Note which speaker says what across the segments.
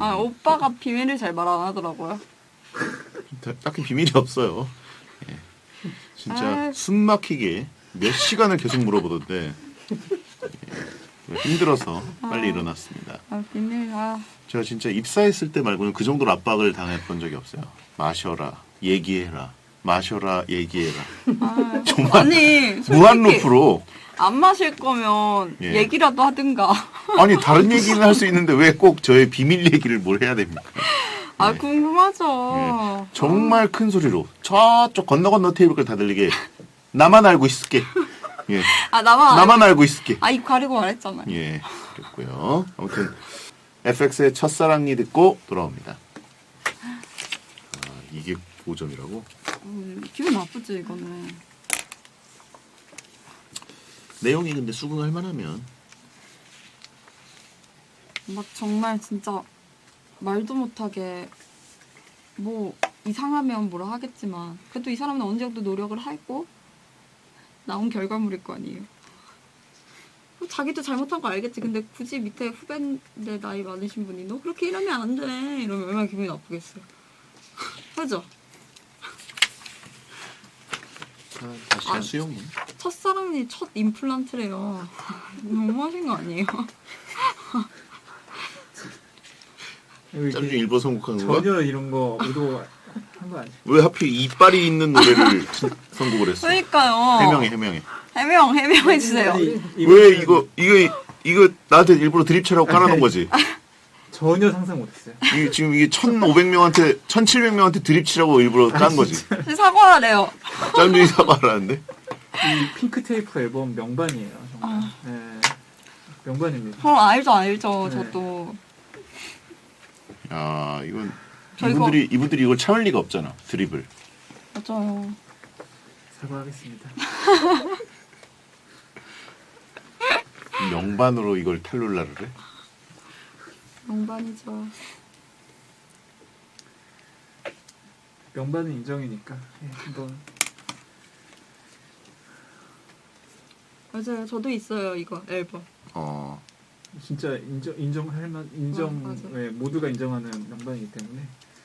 Speaker 1: 아 오빠가 비밀을 잘 말 안 하더라고요.
Speaker 2: 딱히 비밀이 없어요. 예. 진짜 숨 막히게 몇 시간을 계속 물어보던데 예. 힘들어서 빨리 일어났습니다.
Speaker 1: 비밀
Speaker 2: 제가 진짜 입사했을 때 말고는 그 정도로 압박을 당했던 적이 없어요. 마셔라, 얘기해라, 마셔라, 얘기해라. 정말
Speaker 1: 아니
Speaker 2: 무한 루프로.
Speaker 1: 안 마실 거면
Speaker 2: 예.
Speaker 1: 얘기라도 하든가.
Speaker 2: 아니 다른 얘기는 할 수 있는데 왜 꼭 저의 비밀 얘기를 뭘 해야 됩니까?
Speaker 1: 궁금하죠.
Speaker 2: 예. 정말 큰 소리로 저쪽 건너 테이블까지 다 들리게 나만 알고 있을게. 예. 나만 알고 있을게.
Speaker 1: 입 가리고 말했잖아요.
Speaker 2: 예, 그랬고요. 아무튼 FX의 첫사랑이 듣고 돌아옵니다. 이게 5점이라고?
Speaker 1: 기분 나쁘지 이거는.
Speaker 2: 내용이 근데 수긍할 만하면
Speaker 1: 막 정말 진짜 말도 못하게 뭐 이상하면 뭐라 하겠지만 그래도 이 사람은 어느 정도 노력을 하고 나온 결과물일 거 아니에요. 자기도 잘못한 거 알겠지. 근데 굳이 밑에 후배인데 나이 많으신 분이 너 그렇게 일하면 안 돼 이러면 얼마나 기분이 나쁘겠어요. 그죠?
Speaker 2: 다시 수용이.
Speaker 1: 첫사랑이 첫 임플란트래요. 너무하신 거 아니에요?
Speaker 2: 짬중 일본 선곡한 거야?
Speaker 3: 전혀 이런 거 의도한 거 아니에요.
Speaker 2: 왜 하필 이빨이 있는 노래를 선곡을 했어?
Speaker 1: 그러니까요.
Speaker 2: 해명해.
Speaker 1: 해명해 주세요.
Speaker 2: 왜 이거 나한테 일부러 드립쳐라고 깔아놓은 거지?
Speaker 3: 전혀 상상 못했어요.
Speaker 2: 지금 이게 1,500명한테 1,700명한테 드립치라고 일부러 깐 거지.
Speaker 1: 사과하래요.
Speaker 2: 짬중이 사과하라는데?
Speaker 3: 이 핑크 테이프 앨범 명반이에요. 정말. 네. 명반입니다.
Speaker 1: 그럼 알죠.
Speaker 3: 네.
Speaker 1: 저도.
Speaker 2: 야, 이건
Speaker 1: 저
Speaker 2: 이분들이 이걸 참을 리가 없잖아. 드립을.
Speaker 1: 맞아요.
Speaker 3: 사과하겠습니다.
Speaker 2: 명반으로 이걸 탈룰라를 해?
Speaker 1: 명반이죠.
Speaker 3: 명반은 인정이니까 한번.
Speaker 1: 맞아요. 저도 있어요. 이거 앨범.
Speaker 3: 진짜 인정할 만
Speaker 1: 맞아.
Speaker 3: 모두가 인정하는 명반이기 때문에.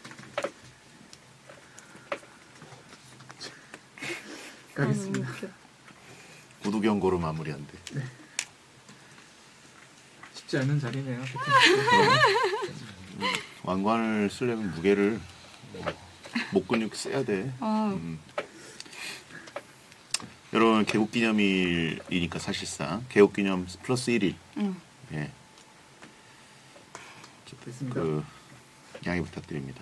Speaker 3: 가겠습니다.
Speaker 1: 너무 웃겨.
Speaker 2: 구두 경고로 마무리한대.
Speaker 3: 네. 쉽지 않은 자리네요.
Speaker 2: 왕관을 쓰려면 무게를 목 근육 세야 돼. 여러분 개국기념일이니까 사실상 개국기념 플러스 1일. 예.
Speaker 3: 됐습니다.
Speaker 2: 양해 부탁드립니다.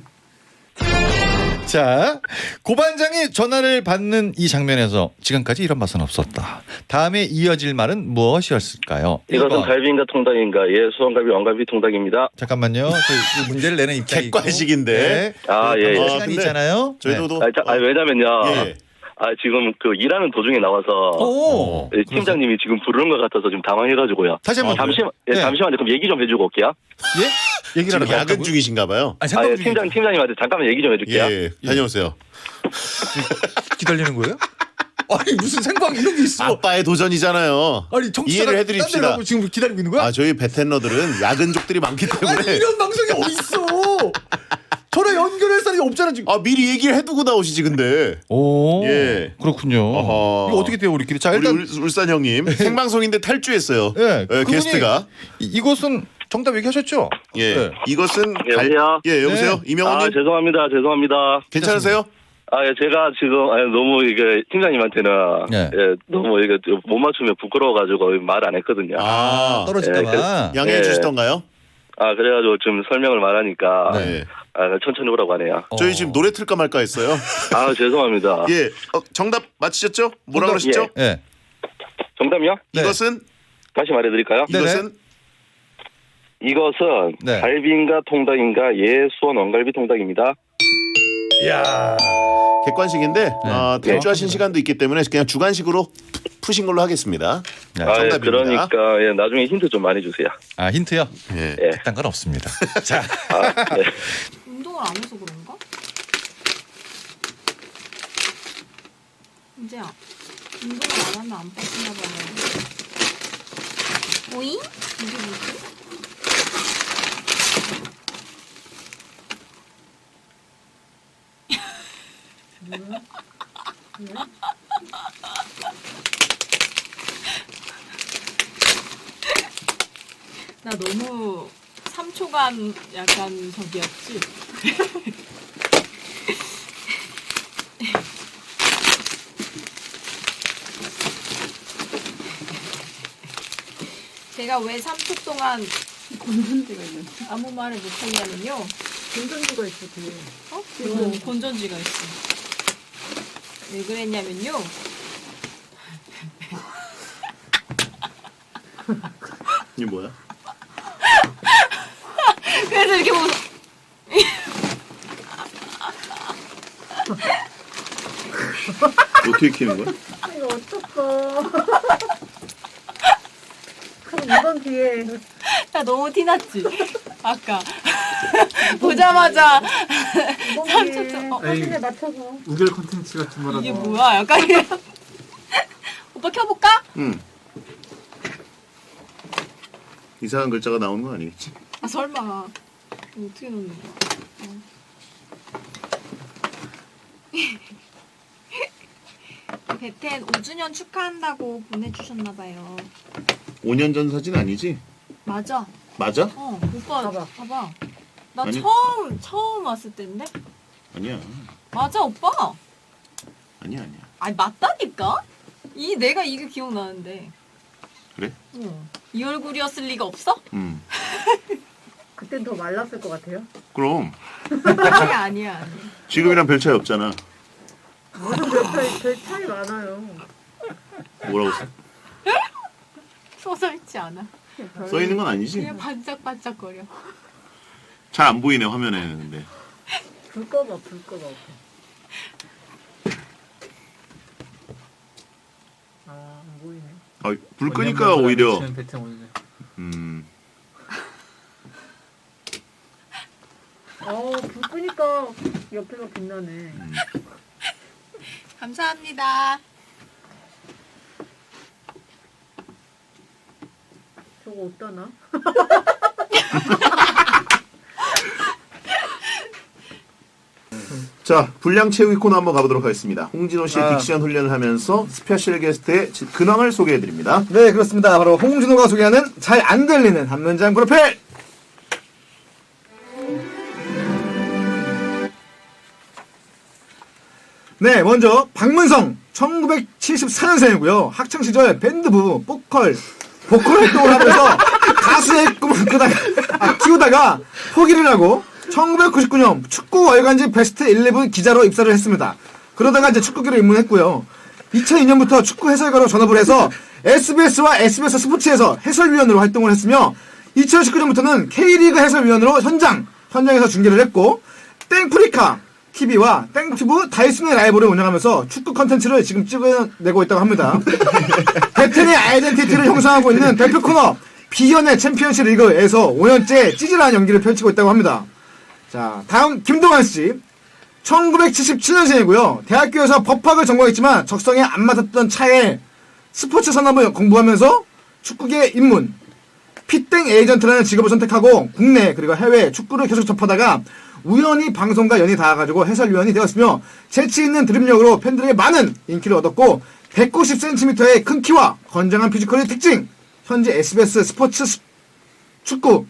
Speaker 4: 자, 고반장이 전화를 받는 이 장면에서 지금까지 이런 맛은 없었다. 다음에 이어질 말은 무엇이었을까요?
Speaker 5: 이것은
Speaker 4: 1번.
Speaker 5: 갈비인가 통닭인가? 예, 수원갈비, 왕갈비 통닭입니다.
Speaker 4: 잠깐만요. 저희 문제를 내는 입장이고.
Speaker 2: 객관식인데.
Speaker 5: 아, 예, 예.
Speaker 4: 시간이
Speaker 2: 근데
Speaker 4: 있잖아요.
Speaker 2: 저희도
Speaker 5: 왜냐면요.
Speaker 2: 예.
Speaker 5: 지금 일하는 도중에 나와서
Speaker 4: 오.
Speaker 5: 팀장님이 지금 부르는 것 같아서 지금 당황해가지고요.
Speaker 4: 다시 한번
Speaker 5: 잠시만요. 그럼 얘기 좀 해주고 올게요.
Speaker 4: 예? 얘기를
Speaker 2: 지금
Speaker 4: 하러
Speaker 2: 야근
Speaker 4: 갔다고요?
Speaker 2: 중이신가 봐요.
Speaker 4: 아니, 생방 중이에요.
Speaker 5: 팀장님한테 잠깐만 얘기 좀 해줄게요.
Speaker 2: 예, 다녀오세요.
Speaker 4: 기다리는 거예요? 아니 무슨 생방 이런 게 있어?
Speaker 2: 아빠의 도전이잖아요.
Speaker 4: 아니 정치자가
Speaker 2: 이해를 해드립시다.
Speaker 4: 지금 기다리고 있는 거야?
Speaker 2: 저희 베텐러들은 야근족들이 많기 때문에
Speaker 4: 아니 이런 방송이 어딨어? 전화 연결할 사람이 없잖아 지금.
Speaker 2: 미리 얘기를 해두고 나오시지 근데.
Speaker 4: 오,
Speaker 2: 예.
Speaker 4: 그렇군요.
Speaker 2: 어허.
Speaker 4: 이거 어떻게 돼요 우리끼리? 자 일단
Speaker 2: 우리 울산 형님 생방송인데 탈주했어요.
Speaker 4: 예, 그분이
Speaker 2: 게스트가.
Speaker 4: 이것은 정답 얘기하셨죠?
Speaker 2: 예,
Speaker 4: 네.
Speaker 2: 이것은
Speaker 5: 여보세요?
Speaker 2: 여보세요.
Speaker 4: 네.
Speaker 2: 이명호님
Speaker 5: 죄송합니다.
Speaker 2: 괜찮으세요?
Speaker 5: 제가 지금 너무 이게 팀장님한테는
Speaker 4: 네.
Speaker 5: 너무 이게 못 맞추면 부끄러워가지고 말 안 했거든요.
Speaker 4: 떨어질까봐.
Speaker 2: 양해해
Speaker 5: 예.
Speaker 2: 주시던가요?
Speaker 5: 그래가지고 좀 설명을 말하니까
Speaker 4: 네.
Speaker 5: 천천히 오라고 하네요.
Speaker 2: 저희 지금 노래 틀까 말까 했어요.
Speaker 5: 죄송합니다.
Speaker 2: 예, 정답 맞히셨죠? 뭐라고
Speaker 4: 정답,
Speaker 2: 그러셨죠?
Speaker 4: 예.
Speaker 5: 정답이요?
Speaker 4: 네.
Speaker 2: 이것은
Speaker 5: 다시 말해드릴까요?
Speaker 4: 네네.
Speaker 5: 이것은
Speaker 4: 네.
Speaker 5: 갈비인가 통닭인가? 예, 수원 원갈비 통닭입니다.
Speaker 4: 이야.
Speaker 2: 객관식인데
Speaker 4: 네.
Speaker 2: 탈주하신 시간도 있기 때문에 그냥 주관식으로 푸신 걸로 하겠습니다.
Speaker 4: 네.
Speaker 2: 정답입니다.
Speaker 5: 그러니까 나중에 힌트 좀 많이 주세요.
Speaker 4: 힌트요?
Speaker 2: 예.
Speaker 5: 예.
Speaker 4: 그딴 건 없습니다. 자,
Speaker 5: 네.
Speaker 1: 운동을 안 해서 그런가? 이제야 운동을 안 하면 안 빠지나 봐요. 오잉? 이게 뭐지?
Speaker 6: 나 너무 3초간 약간 저기였지. 제가 왜 3초 동안
Speaker 1: 건전지가 있는.
Speaker 6: 아무 말을 못했냐면요.
Speaker 1: 건전지가 있어 뒤에.
Speaker 6: 건전지가 있어. 왜 그랬냐면요.
Speaker 2: 이게 뭐야?
Speaker 6: 그래서 이렇게 보고
Speaker 2: 어떻게 키는 거야?
Speaker 1: 이거 어떡해. 그럼 이번 기회에
Speaker 6: 나 너무 티났지? 아까 보자마자
Speaker 1: 이번
Speaker 6: 3초
Speaker 1: 기회에
Speaker 6: 동
Speaker 1: 사진에 맞춰서.
Speaker 3: 우결 콘텐츠 같은 거라서.
Speaker 6: 이게 뭐야? 약간 이런. 오빠 켜볼까?
Speaker 2: 응. 이상한 글자가 나오는 거 아니겠지?
Speaker 6: 아 설마 이거 어떻게 넣는 거야? 베텐 5주년 축하한다고 보내주셨나봐요.
Speaker 2: 5년 전 사진 아니지?
Speaker 6: 맞아.
Speaker 2: 맞아?
Speaker 6: 오빠 봐봐. 나
Speaker 2: 아니.
Speaker 6: 처음 왔을 때인데?
Speaker 2: 아니야.
Speaker 6: 맞아 오빠.
Speaker 2: 아니야.
Speaker 6: 아니 맞다니까? 내가 이게 기억나는데.
Speaker 2: 그래?
Speaker 6: 이 얼굴이었을 리가 없어?
Speaker 1: 그땐 더 말랐을 것 같아요.
Speaker 2: 그럼
Speaker 6: 아니야.
Speaker 2: 지금이랑 별 차이 없잖아.
Speaker 1: 무슨 별 차이 많아요.
Speaker 2: 뭐라고 써?
Speaker 6: 써있지 않아.
Speaker 2: 써 있는 건 아니지?
Speaker 6: 그냥 반짝반짝거려.
Speaker 2: 잘 안 보이네 화면에는 근데.
Speaker 1: 불 꺼봐. 안 보이네.
Speaker 2: 불 끄니까 오히려.
Speaker 3: 베텐 오늘.
Speaker 1: 불 끄니까 옆에가 빛나네.
Speaker 6: 감사합니다.
Speaker 1: 저거 어떠나?
Speaker 2: 자, 분량 채우기 코너 한번 가보도록 하겠습니다. 홍진호 씨의 딕션 훈련을 하면서 스페셜 게스트의 근황을 소개해드립니다.
Speaker 7: 네, 그렇습니다. 바로 홍진호가 소개하는 잘 안 들리는 한 문장 프로필! 네, 먼저 박문성 1974년생이고요. 학창시절 밴드부, 보컬 활동을 하면서 가수의 꿈을 키우다가 포기를 하고 1999년 축구 월간지 베스트 11 기자로 입사를 했습니다. 그러다가 이제 축구계로 입문했고요. 2002년부터 축구 해설가로 전업을 해서 SBS와 SBS 스포츠에서 해설위원으로 활동을 했으며 2019년부터는 K리그 해설위원으로 현장에서 중계를 했고 땡프리카 TV와 땡튜브 다이슨의 라이브를 운영하면서 축구 컨텐츠를 지금 찍어내고 있다고 합니다. 베텐의 아이덴티티를 형성하고 있는 대표 코너 비연의 챔피언십 리그에서 5년째 찌질한 연기를 펼치고 있다고 합니다. 자, 다음 김동완 씨. 1977년생이고요. 대학교에서 법학을 전공했지만 적성에 안 맞았던 차에 스포츠 산업을 공부하면서 축구계 입문. 피땡 에이전트라는 직업을 선택하고 국내 그리고 해외 축구를 계속 접하다가 우연히 방송과 연이 닿아가지고 해설위원이 되었으며 재치있는 드립력으로 팬들에게 많은 인기를 얻었고 190cm의 큰 키와 건장한 피지컬의 특징. 현재 SBS 스포츠 축구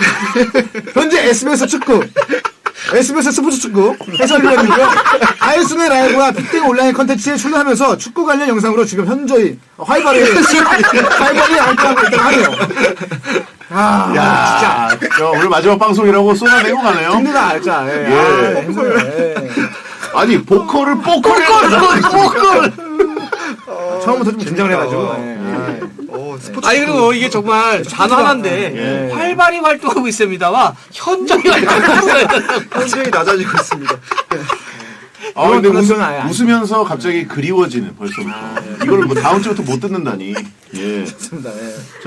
Speaker 7: SBS 스포츠 축구 해설위원이고요. 다이슨의 라이브와 빅땡 온라인 컨텐츠에 출연하면서 축구 관련 영상으로 지금 현저히 활발히 활동하고 있다고 하네요.
Speaker 2: 야, 진짜 오늘 마지막 방송이라고 쏟아내고 가네요.
Speaker 7: 힘들다 알자.
Speaker 2: 예.
Speaker 7: 힘들어.
Speaker 2: 아니 보컬을 보컬.
Speaker 7: 처음부터 좀 긴장을 해가지고.
Speaker 8: 아니 그리고 이게 정말 단어 하나인데 활발히 활동하고 있습니다와 현저히 활동하고 있어요.
Speaker 7: 현저히 낮아지고 있습니다.
Speaker 2: 근데
Speaker 7: 그건 아예
Speaker 2: 웃으면서 갑자기 그리워지는 벌써부터. 이걸 뭐 다음 주부터 못 듣는다니. 예.
Speaker 7: 좋습니다. 예.